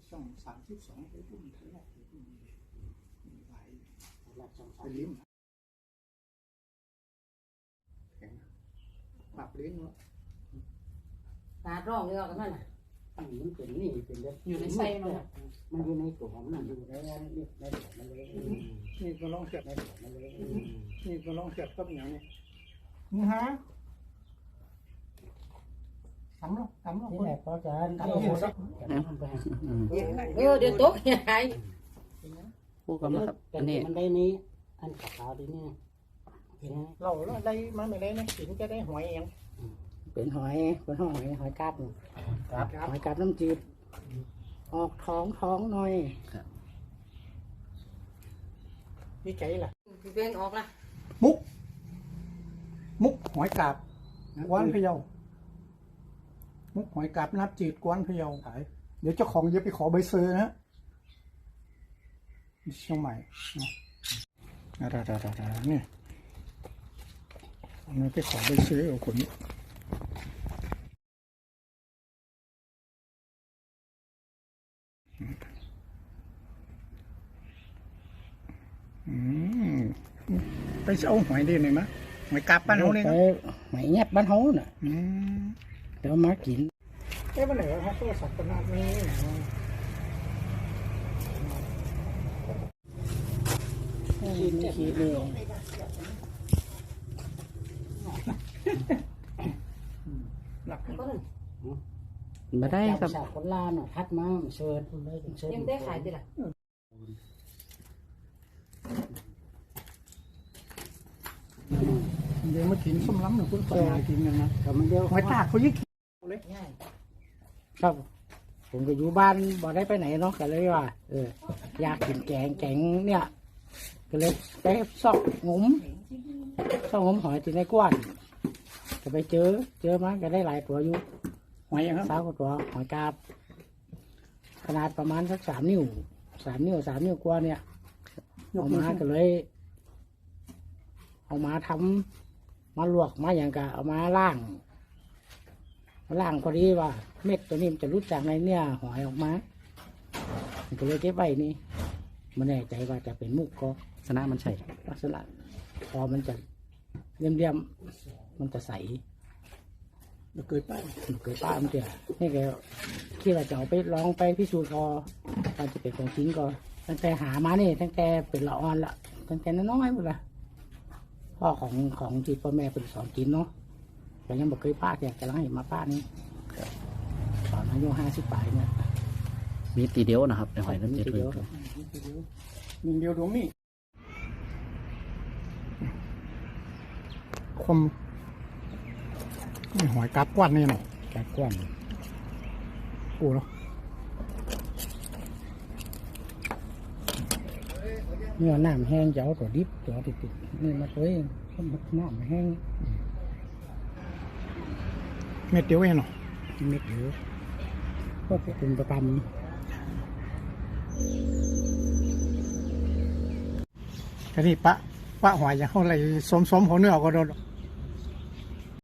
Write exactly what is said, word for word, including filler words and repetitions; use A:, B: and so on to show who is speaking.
A: ช่องสามสิบสองไปปุ่มทะเลไปปุ่มไหลไปลิ้มแข็งปรับลิ้นเนาะ
B: ตาร้องเลยกันนั่นน่ะมันเป็นนี่เป็นอยู่ในไส้มันมันอยู่ในตัวมันนั่นอยู่ในนี่ในตัวมันเลย
A: นี่ก็ลองเสียบ
B: ในตัวมันเลย
A: นี่ก็ลองเสียบกับอย่างนี้นี่ฮะทำเนาะทำเนาะ
B: นี่แหละพอจะทำหมด
C: เอ
B: อ
C: อเดี๋ยวโต๊ะใหญ่
B: พูดกันนะครับอันนี้มันได้นี้อันขาวๆดีนี่
A: เราเราได้มาไม่ได้นะถึงจะได้หอยเอง
B: เป็นหอยเป็นหอยหอยกาบหอยกาบน้ำจืดออกท้องท้องหน่อย
A: นี่ใจล่ะ
C: พี่เบงออกละ
A: มุกมุกหอยกาบกวนพะเยามุกหอยกาบนับจืดกวนพะเยาขายเดี๋ยวเจ้าของจะไปขอใบเซอร์นะเชียงใหม่นะดาดาดาดาเนี่ยเราไปขอใบเซอร์เอาคนนี้อืมไปเอาหอยได้ไหมมะหอยกาบบ้านเขาเนี่ย
B: หอยแงบบ้านเขาน่ะ
A: อืม
B: เดี๋ยวมากิน
A: เอ๊ะวันไหนครับโทรศัพท์ขนาดนี้
B: ขีดไม่ขีดเลย
A: หลัก
B: มาได้ครับคนลานอ่ะทัดมาเชิญเชิญ
C: ยังได้ขายดิล่ะ
A: เดี๋ยวมากินส้มล้ำหนึ่งคุณต่อมากินกันนะ
B: แต่มันเดียว
A: หอยตากเขายิ่งเลย
B: ครับผมก็อยู่บ้านบ่ได้ไปไหนเนาะก็เลยว่าเอออยากกินแกงแกงเนี่ยก็เลยไปซอกงมซอกงมหอยที่ในกว้านก็ไปเจอเจอมาก็ได้หลายตัวอยู่
A: หอยครับ
B: สาวกว่าตัวหอยกาบขนาดประมาณสักสามนิ้วสามนิ้วสามนิ้วกว่าเนี่ยเอามาก็เลยเอามาทำมาลวกมาอย่างกะเอามาล่างมาล่างพอดีว่าเม็ดตัวนี้มันจะรู้จากในเนี่ยหอยออกมาก็เลยเก็บไว้นี่มันแน่ใจว่าจะเป็นมุกก็ลักษณะมันใช่ลักษณะพอมันจะเลี่ยมๆมันจะใส
A: มันเกิดป้า
B: มันเกิดป้ามันเจ๋อนี่แกที่เราจะเอาไปลองไปพิสูจน์ก็ตอนจะเป็นของจริงก็ตั้งแต่หามานี่ตั้งแต่เป็นละอ่อนละตั้งแต่น้อยๆหมดละพ่อของของที่พ่อแม่เป็นสอนกินเนาะแต่ยังบอกเคยป้าแกกำลังเห็นมาป้านี่ตอนอายุห้าสิบปลายเนี่ย
D: มีตีเดียวนะครับในหอยน้ำจืดเลย
A: หนึ่งเดียวดวงนี้คมนี่หอยกาบกวนนี่หน่อย
B: กาบกวน
A: โอ้เนาะ
B: นี่น้ำแห้งจะเอาตัวดิบตัวติดๆนี่มาเลยน้ำแห้ง
A: เม็ดเดียวเองเนาะ
B: เม็ดเดียวก็เป็นประจำ
A: แค่นี้ปะปะหอยอย่างเขาอะไรสมสมหัวเนื้อก็โดน